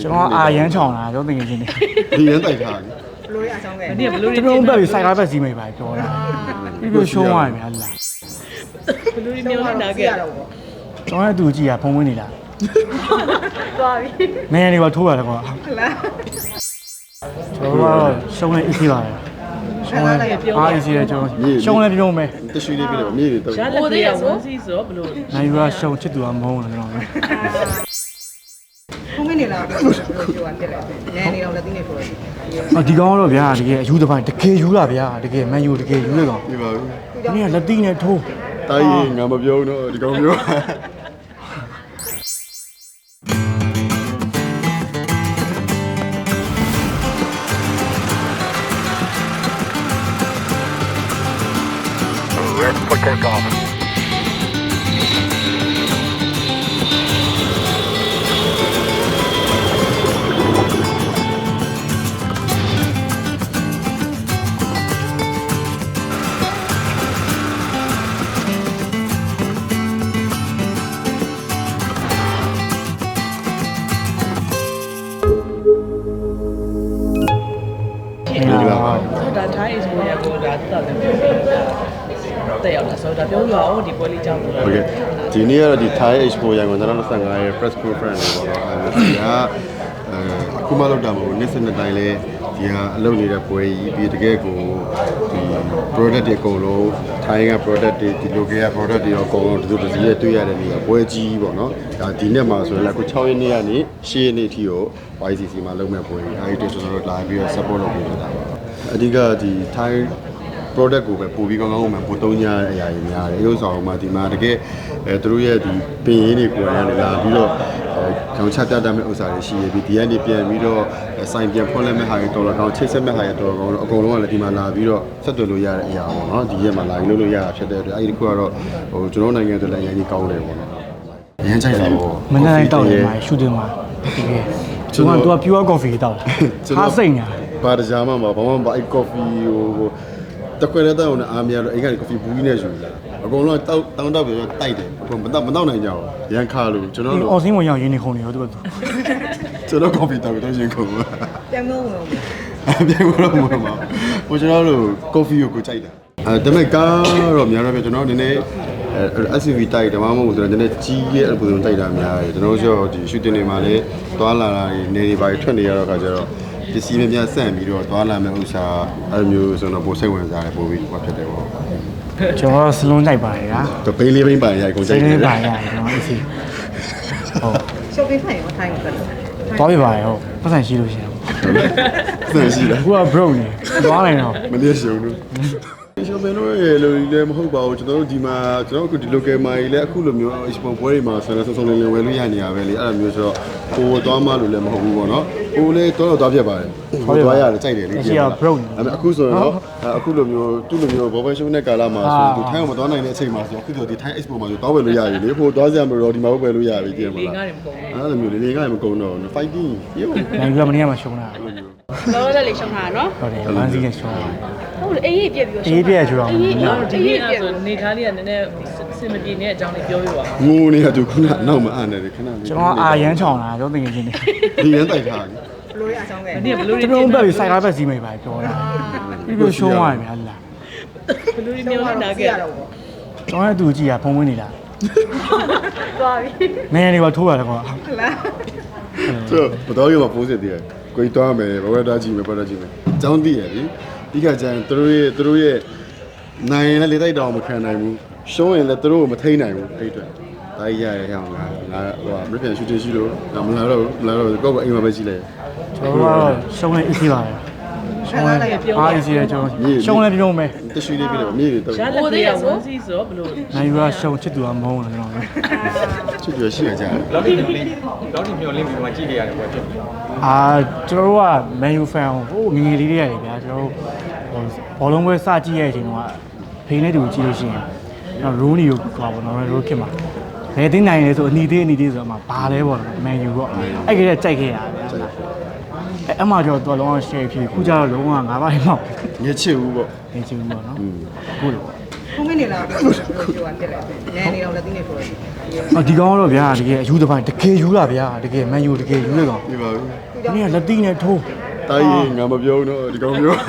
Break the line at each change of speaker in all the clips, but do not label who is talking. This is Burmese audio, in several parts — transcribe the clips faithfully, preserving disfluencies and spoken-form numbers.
ကျွန်တော်အာရမ်းချောင်းလာကျွန်တော်တကယ်ချင်းနေ
ဒီရန်တိုက်ထားတယ်
ဘလို့ရအောင်ပဲ
ဒီကဘလို့
ကျွန်တော်ဘက်ပြီးစိုက်ကားဘက်စီးမိပါပြောတာပြီးပြီးရှုံးသွားပြီများလား
ဘလို့မျိုးလာခဲ့တော့
ကျွန်တော်ရဲ့သူကြည့်ရဖုံးဝင်နေလား
သွားပြီ
မင်းရနေပါထိုးရတယ်ကွာ
ဟုတ်လား
ကျွန်တော်ကတော့ရှုံးနေအစီပါပဲရှုံးနေအားအစီရကျွန်တော်ရှုံးနေပြုံးမယ်
တရှိလေးပြတယ်မြေကြီးတော့
ရှားလက်သေးရဝန်းစီဆိုဘလို့
နိုင်ယူကရှုံးချစ်သူကမုန်းတယ်ကျွန်တော်
ဖုန်းမနေလားပြောရတယ်လေနဲနေတော့လက်သိနေပြောတယ်
အဒီကောင်ကတော့ဗျာတကယ်အယူတစ်ပိုင်းတကယ်ယူတာဗျာတကယ်မန်ယူတကယ်ယူရကောင်
ပြပါဘူး
ဒီနေ့ကလက်တိနဲ့ထိုး
တိုင်းရင်ငါမပြောတော့ဒီကောင်ပြော
ဒီလား
ဒါထိုင်း expo ရကိုဒါတက်တယ်တဲ့ရောက်လာဆိုဒါပြောပြအောင်ဒီပွဲလေးကြောင်းလို့
โอเคဒီနေ့ကတော့ဒီ Thai Expo ရန်ကုန်၂၀၂၅ရဲ့ press conference တွေပေါ့နော်အဲဒီကအခုမှလောက်တာမဟုတ်နေ့စဉ်တိုင်းလဲဒီဟာအလုပ်နေတဲ့ပွဲကြီးပြီးတကယ်ကိုဒီ product တွေအကုန်လုံး Thai က product တွေဒီ local က product တွေအကုန်လုံးဒီလိုတစ်စီးရဲ့တွေ့ရတဲ့နေရာပွဲကြီးပေါ့နော်ဒါဒီနေ့မှာဆိုရင်လည်းအခု၆ရက်နေ့ကနေ၈ရက်နေ့ထိကို Y C C မှာလုပ်မဲ့ပွဲကြီးအဲဒီတို့ကျွန်တော်တို့လာပြီးတော့ support လုပ်ပေးနေတာပါအဓိကဒီ Thai product ကိုပဲပို့ပြီးကောင်းကောင်းမှပို့သုံးကြတဲ့အရာတွေများတယ်။ရုပ်ဆောင်မှဒီမှာတကယ်အဲသူတို့ရဲ့ဒီပင်ရင်းတွေကိုရနေလာပြီးတော့ခေါင်းချပြတတ်မဲ့ဥစ္စာတွေရှိရပြီးဒီကနေပြန်ပြီးတော့စိုင်ပြန်ဖွင့်လိုက်မဲ့ဟာတွေတော်တော်ကောင်းချိတ်ဆက်မဲ့ဟာတွေတော်တော်ကောင်းတော့အကုန်လုံးကလည်းဒီမှာလာပြီးတော့ဆက်သွယ်လို့ရတဲ့အရာပေါ့နော်။ဒီရက်မှာလာပြီးလုပ်လို့ရတာဖြစ်တဲ့အတွက်အဲဒီတစ်ခုကတော့ဟိုကျွန်တော်နိုင်ငံအတွက်လည်းအရင်ကြီးကောင်းတယ်ပေါ့နော်။အရင်ချိုက်တာပေါ့
မနေ့တိုင်းတောက်နေမှာရှူတင်မှာတကယ်ကျွန်တော်က pure coffee တောက်တာဟာစိတ်ညာ
ဘာတကြားမှမဘာမှမအဲ့ coffee ဟိုတခွဲတဲ့တောင်းနဲ့အားမရတော့အိမ်ကနေ coffee ဘူးကြီးနဲ့ယူလာအကုန်လုံးတောက်တောင်းတောက်ပြီးတော့တိုက်တယ်အကုန်မတောက်မတောက်နိုင်ကြဘူးရန်ခါလို့ကျွန်တော်တို့
အော်စင်းဝင်ရောက်ရင်းနေခုံနေရောသူက
ကျွန်တော် coffee တောက်ပြီးတော့ရင်ခုံပါ
ပြန်မဝင်ဘူး
ပြန်လို့မဟုတ်ပါဘူးကျွန်တော်တို့ coffee ကိုကိုကြိုက်တာအဲဒါပေမဲ့ကားတော့များတော့ပြကျွန်တော်နည်းနည်းအဲ S U V တိုက်တယ်မမဟုတ်ဆိုတော့နည်းနည်းကြီးရဲ့အပူဆုံးတိုက်တာများတယ်ကျွန်တော်တို့ဒီ shooting တွေမှာလည်းသွားလာတာတွေနေတွေပါထွက်နေရတော့ခါကျတော့ပစ္စည်းများများဆန့်ပြီးတော့သွားလာမဲ့ဥစ္စာအဲ့လိုမျိုးဆိုတော့ပိုစိတ်ဝင်စားတယ်ပိုပြီးဟောဖြစ်တယ်ပေါ့
ကျွန်တော်စလုံးလိုက်ပါတယ်ဗျာ
တပိလေးပိန်းပါရိုက်ကုန်ကြိုက်
စိ
တယ်
တ်လေးပါရတယ်ကျွန်တော်အစီဟုတ်
ရှော့ပေးဖိုင်ရောထိုင်းကိုပဲ
သွားပြပါရဟုတ်ပတ်စံရှိလို့ရှိရင်
ဆန်ရှိလား
အခုက broke နေသွားနိုင်တော့
မနေ့ရှုံလို့ကျွန်တော်တို့ရဲ့လိုလည်းမဟုတ်ပါဘူးကျွန်တော်တို့ဒီမှာကျွန်တော်တို့ဒီ local မှာလည်းအခုလိုမျိုး export ပွဲတွေမှာဆန်ဆန်ဆုံလေးလေးဝယ်လို့ရနေရပဲလေအဲ့လိုမျိုးဆိုတော့ကိုယ်သွားမှလို့လည်းမဟုတ်ဘူးပေါ့နော်ကိုယ်လည်းတော့တော့သွားပြပါတယ်ကိုယ်သွားရတယ်ကြိုက်တယ်လေအဲ့ဒါအခုဆိုရင်တော့အခုလိုမျိုးသူ့လိုမျိုးဘောဘရှုံးတဲ့ကာလမှာဆိုသူထိုင်းအောင်မသွားနိုင်တဲ့အချိန်မှာဆိုအခုဆိုဒီထိုင်း export မှာဆိုသွားဝယ်လို့ရပြီလေဟိုသွားစရာမလိုတော့ဒီမှာဝယ်လို့ရပြီကြည့်မလားအဲ့လိုမျိုးလေးလေးကလည်းမကုန်တော့ fighting ရုပ်
နိုင်ပြီးတော့မနေ့ကမှရှုံးတာ
လောလောလေးရှုံးတာနော်
ဟုတ်တယ်လမ်းစီးနဲ့ရှုံးတာ
ဟုတ်တယ်အေးအေးပြက်ပြီးတော့
အေးပြည့်ကြတော့
ဒီနေ့အဲ့ဆိုနေသားလေးကနည်းနည်းစင်မပြေနေတဲ့အကြောင်းလေးပြောပြပါ
ငိုနေတာသူခုနနောက်မအံ့နေတယ်ခဏလေး
ကျွန်တော်အာရမ်းချောင်းလာကျွန်တော်တကယ်ချင်းနေ
ဒီရန်တိုက်ထားတယ်
ဘလို့ရအောင်ပဲ
ဒီကဘလို့
ကျွန်တော်ဘက်ပြီးစိုက်ကားဘက်စီးမိပါပြောတာပြီးပြီးရှုံးသွားပြီများလား
ဘလို့မျိုးလာခဲ့တော့
ကျွန်တော်ရဲ့သူကြည့်ရဖုံးဝင်နေလား
သွားပြီ
မင်းရနေပါထိုးရတယ်ကွာ
ဟုတ်လား
ဆိုဘတော်ရမှာပိုးစစ်တည်းကိုကြီးတွားမယ်ဘဝတားကြည့်မယ်ပတ်တာကြည့်မယ်အကြောင်းသိရပြီဒီကကျန်သူတို့ရဲ့သူတို့ရဲ့နိုင်ရင်လည်းလေတိုက်တောင်မခံနိုင်ဘူးရှုံးရင်လည်းသူတို့ကိုမထိန်နိုင်ဘူးအဲ့အတွက်ဒါကြီးရရရအောင်ငါငါဟိုမပြန်ရှူတင်ရှိလို့ငါမလာတော့မလာတော့ကိုယ့်ကအိမ်မှာပဲရှိလိုက်
ကျွန်တော်ကတော့ရှုံးနေအစီပါတယ်ရှုံးနေအားအစီရကျွန်တော်ရှုံးနေပြုံးမယ်
တရှိလေးပြတယ်မြေကြီးတော့
ရှားလက်သေးရဝန်းစီဆိုဘလို့
နိုင်ယူကရှုံးချစ်သူကမုန်းတယ်ကျွန်တော်
ချစ်ကြရှိကြတယ်
လောက်တိမျောလင်းလောက်တိမျောလင်းပြီးမှကြည့်ကြရတယ်ပေါ့ဖြစ်ပြီ
အာကျွန်တော်တို့က Man U fan ဟိုငငယ်လေးတွေရတယ်ဗျာကျွန်တော်တို့ဘောလုံးပွဲစကြည့်ရတဲ့အချိန်တုန်းကဖိနေတူကြည့်လို့ရှိရင်ကျွန်တော် Rooney ကိုကွာပေါ့နော် Rooney ခင်မှာဘယ်သိနိုင်လဲဆိုအနီသေးအနီသေးဆိုတော့မှဘာလဲပေါ့နော် Man U ပေါ့အဲ့ကလေးကြိုက်ခဲ့ရဗျာအဲ့အမှကျော်တော်လုံးအောင် share ဖြစ်ခုကျတော့လုံးဝငါးပါးမှောက်
ညချစ်ဘူးပေါ့
နေချင်ဘူးပေါ့နော်ဟုတ်လို့ပေါ့
ဖုန်းမနေလားပြောရတယ်နဲနေတော့လက်သိနေပြောတယ်
အော်ဒီကောင်ကတော့ဗျာတကယ်အယူတစ်ပိုင်းတကယ်ယူတာဗျာတကယ်မန်ယူတကယ်ယူရကောင်
ပြပါဘူး
ဒီနေ့ကလက်တိနဲ့ထိုး
တိုင်းရင်ငါမပြောတော့ဒီကောင်ပြော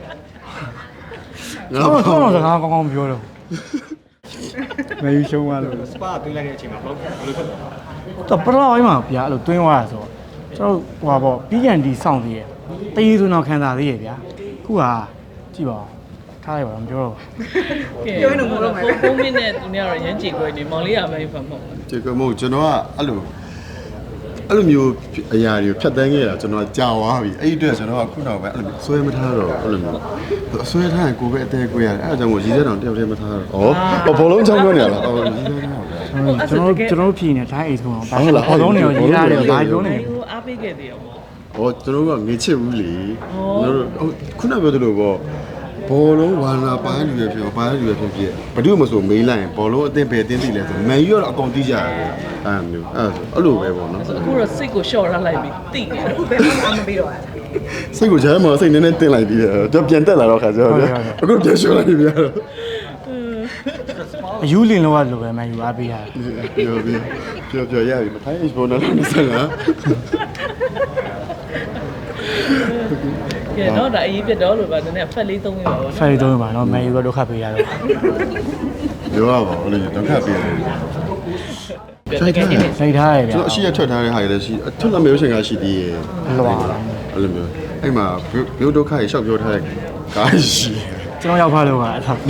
တော့တော့စကားကောင်းကောင်းပြောတော့မန်ယူရှုံးသွားလို့
စပါသွင်းလိုက်တဲ့အချိန်မှာဘယ်လိုဘယ်လိုဖြစ်လဲ
တော့ပထမပိုင်းမှာဗျာအဲ့လိုတွင်းသွားတာဆိုတော့ကျွန်တော်ဟိုပါပေါ့ပြီးကန်ဒီစောင့်သေးရဲ့တေးဆိုတော့ခံစားသေးရဲ့ဗျာခုကကြည့်ပါထားလိုက်ပါတော့မပြောတော့
ပြောရင်တော့မလုပ်မှာပဲ
ကိုမင်းနဲ့သူနဲ့ကတော့ရမ်းကြည့်ခွဲနေမောင်လေးကမဲဖတ်မဟုတ်
ကျေကမို့ကျွန်တော်ကအဲ့လိုအဲ့လိုမျိုးအရာတွေကိုဖြတ်တန်းခဲ့တာကျွန်တော်ကြာသွားပြီအဲ့ဒီအတွက်ကျွန်တော်ကခုနောက်ပဲအဲ့လိုဆွဲမထားတော့အဲ့လိုမျိုးအဆွဲထားရင်ကိုပဲအသေးကိုရတယ်အဲ့ဒါကြောင့်မို့ရည်စက်တောင်တယောက်တည်းမထားတော့ဩဘောလုံးချောင်းပြောနေရလားဩရည်စက်ထားပါ
ကျွန်တော်ကျွန်တော်ဖြည်နေတိုင်းအိတ်ဆုံးဘာလို့ဘောလုံးတွေရေးရတယ်ဘာပြောနေ
ဟိုအားပေးခဲ့သေးရောပေါ့
။ဟောကျွန်တော်တို့ကငေချစ်ဘူးလေ။ကျွန်တော်တို့ခုနပြောသလိုပေါ့ဘောလုံးဝါနာပိုင်းလူရဖြစ်ပိုင်းလူရဖြစ်ဖြစ်ဘယ်သူမှမဆိုမေးလိုက်ရင်ဘောလုံးအသင်းပဲအသင်းသိလဲဆိုမန်ယူကတော့အကုန်သိကြရတယ်။အဲ့မျိုးအဲ့အဲ့လိုပဲပေါ့နော်
အခုတော့စိတ်ကိုလျှော့ထားလိုက်ပြီတိနေတယ်
အခုဘယ်မှမပေးတော့တာ
။စိတ်ကိုဂျမ်းမှာစိတ်နည်းနည်းတင်လိုက်ပြီးတော့ကျွန်တော်ပြန်တက်လာတော့ခါကျတော့အခုပြန်ရှော့လိုက်ပြီတော့
အယူလင်လောက်လို့ပဲမန်ယူအားပေးရတယ်
ပြောပြီးပြောပြောရပြီမထိုင်း H ဘောနော်လို့ဆက်လာ
ကဲတော့ဒါအရေးပြတ်တော့လို့ပါနည်းနည်းဖက်လေးသုံးရပါဘော
ဖိုင်တုံးပါတော့မန်ယူကဒုက္ခပေးရတော့
ပြောရပါဦးလေဒုက္ခပေးတယ်
စိုက်ထားတယ်
စိတ်ထားရဗျာ
ကျွန်တော်အရှိရထွက်ထားတဲ့ဟာတွေလည်းရှိအထွက်လာမျိုးရှင်ကရှိသေးရဲ့
လွာ
အဲ့လိုမျိုးအဲ့မှာမျိုးဒုက္ခရေရှောက်ပြောထားတဲ့ကားရှိ
ကျွန်တော်ရောက်ဖားလို့ကအထောက်
သူ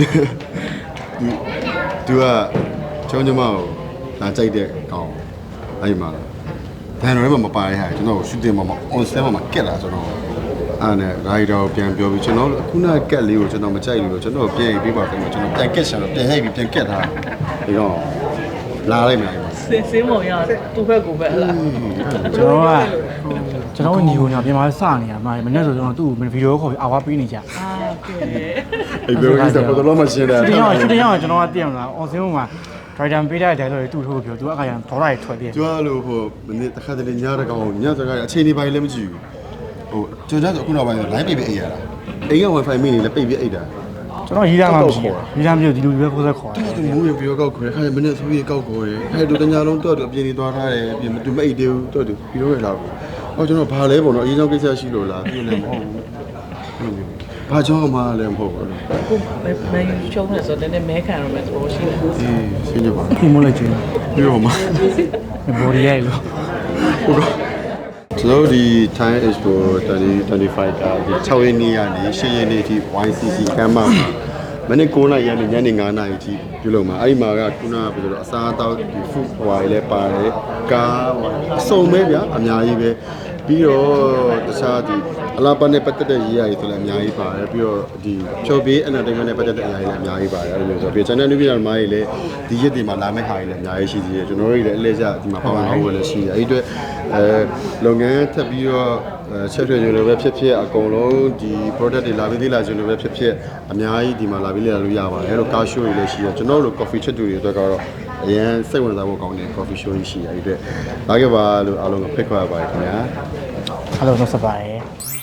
သူကကျောင်းကျမကိုလာကြိုက်တဲ့ကောင်အဲ့မှာဘန်တော်ထဲမှာမပါတဲ့ဟာကျွန်တော်ရှူတင်မှာမ on set မှာကက်လာကျွန်တော်အဲ့နဲ့ rider ကိုပြန်ပြောပြီးကျွန်တော်ခုနကက်လေးကိုကျွန်တော်မကြိုက်လို့ကျွန်တော်ပြန်ရေးပေးပါခင်ဗျကျွန်တော်ပြန်ကက်ရှာတော့ပြန်ရိုက်ပြီးပြန်ကက်ထားဒီကောင်လာလိုက်မယ်
စင်းစင်းမောင်ရသူ့ဘက်ကိုပဲဟလား
ကျွန်တော်ကကျွန်တော်ညီကိုညပြန်มาစနေရမှာမနေ့ဆိုကျွန်တော်သူ့ကိုဗီဒီယိုခေါ်ပြီးအာဝါပေးနေကြ
အာကဲ
အဲ့ဘယ်လိုလဲပေါ်တော့မရှင်းတယ်
ဒီတော့ဒီတော့ကျွန်တော်ကတည်အောင်လားအောင်စင်းမှာဒရိုက်တာပေးတဲ့ dialogue တွေသူ့ထိုးပြောသူကအခါကျဒေါ်လာတွေထွက်ပြီး
ကျွားလို့ဟိုမနေ့တစ်ခါတလေညတဲ့ကောင်ညစကားအချိန်ဒီပိုင်းလည်းမကြည့်ဘူးဟိုကျွန်တော်ကအခုနောက်ပိုင်း line ပိတ်ပြီးအိပ်ရတာအိမ်က wifi မိနေလည်းပိတ်ပြီးအိပ်တာ
ကျွန်တော်ရေးသားမှမရှိဘူးရေးသားမျိုးဒီလူတွေပဲခိုးဆက်ခေါ်
တူမိုးရပြောကောက်ခေါ်တယ်ခါမနေ့ဆိုပြီးကောက်ခေါ်တယ်ဟဲ့တူတညာလုံးတော့တူအပြင်နေသွားထားတယ်အပြင်တူမအိပ်သေးဘူးတော့တူပြီးတော့ရလာဘူးဟောကျွန်တော်ဘာလဲပေါ့နော်အရင်ဆုံးကိစ္စရှိလို့လားပြည့်လည်းမဟုတ်ဘူးဘာကြောင့်မှလည်းမဟုတ်ဘူး
ကိုမန်ယူချုံးနေဆိုတော့နည်းနည်းမဲခံရမယ်သဘောရှိတယ်
အေးရှင်းကြပါ
ဒီမိုးလိုက်ချင်း
ပြီးတော့မှ
ဘော်ဒီရိုက်လို့
ဟုတ်ကဲ့ကျွန်တော်ဒီ Thai Expo twenty twenty-five ကဒီ6ရက်နေ့ကနေ10ရက်နေ့အထိ Y C C ကမ်းမှာမနေ့9နာရီကနေညနေ9နာရီအထိပြုလုပ်မှာအဲ့ဒီမှာကခုနကပြောလို့အစားအသောက်ဒီ food ဟွာတွေလည်းပါတယ်ကားအစုံပဲဗျာအများကြီးပဲပြီးတော့တခြားဒီအလားပါနဲ့ပတ်သက်တဲ့ရေးရည်ဆိုလည်းအများကြီးပါတယ်ပြီးတော့ဒီဖြော်ပေး entertainment နဲ့ပတ်သက်တဲ့အရာတွေလည်းအများကြီးပါတယ်အဲ့လိုမျိုးဆိုပြီး channel နည်းပြတဲ့မားတွေလည်းဒီရက်တွေမှာလာမယ့်ဟာတွေလည်းအများကြီးရှိသေးတယ်ကျွန်တော်တို့တွေလည်းအလဲကျဒီမှာပေါဝင်အောင်လည်းရှိတယ်အဲ့ဒီအတွက်အဲလုပ်ငန်းထပ်ပြီးတော့ချက်ထွေကျွေးလိုပဲဖြစ်ဖြစ်အကုန်လုံးဒီ product တွေလာပြီးသေးလာကျွေးလိုပဲဖြစ်ဖြစ်အများကြီးဒီမှာလာပြီးလေ့လာလို့ရပါတယ်အဲ့လို car show တွေလည်းရှိတယ်ကျွန်တော်တို့ coffee ချက်တူတွေအတွက်ကတော့အရင်စိတ်ဝင်စားဖို့ကောင်းတဲ့ coffee show ကြီးရှိတယ်အဲ့ဒီအတွက်လာခဲ့ပါလို့အားလုံးကိုဖိတ်ခေါ်ရပါတယ်ခင်ဗျာ
အားလုံးတော့စပါတယ်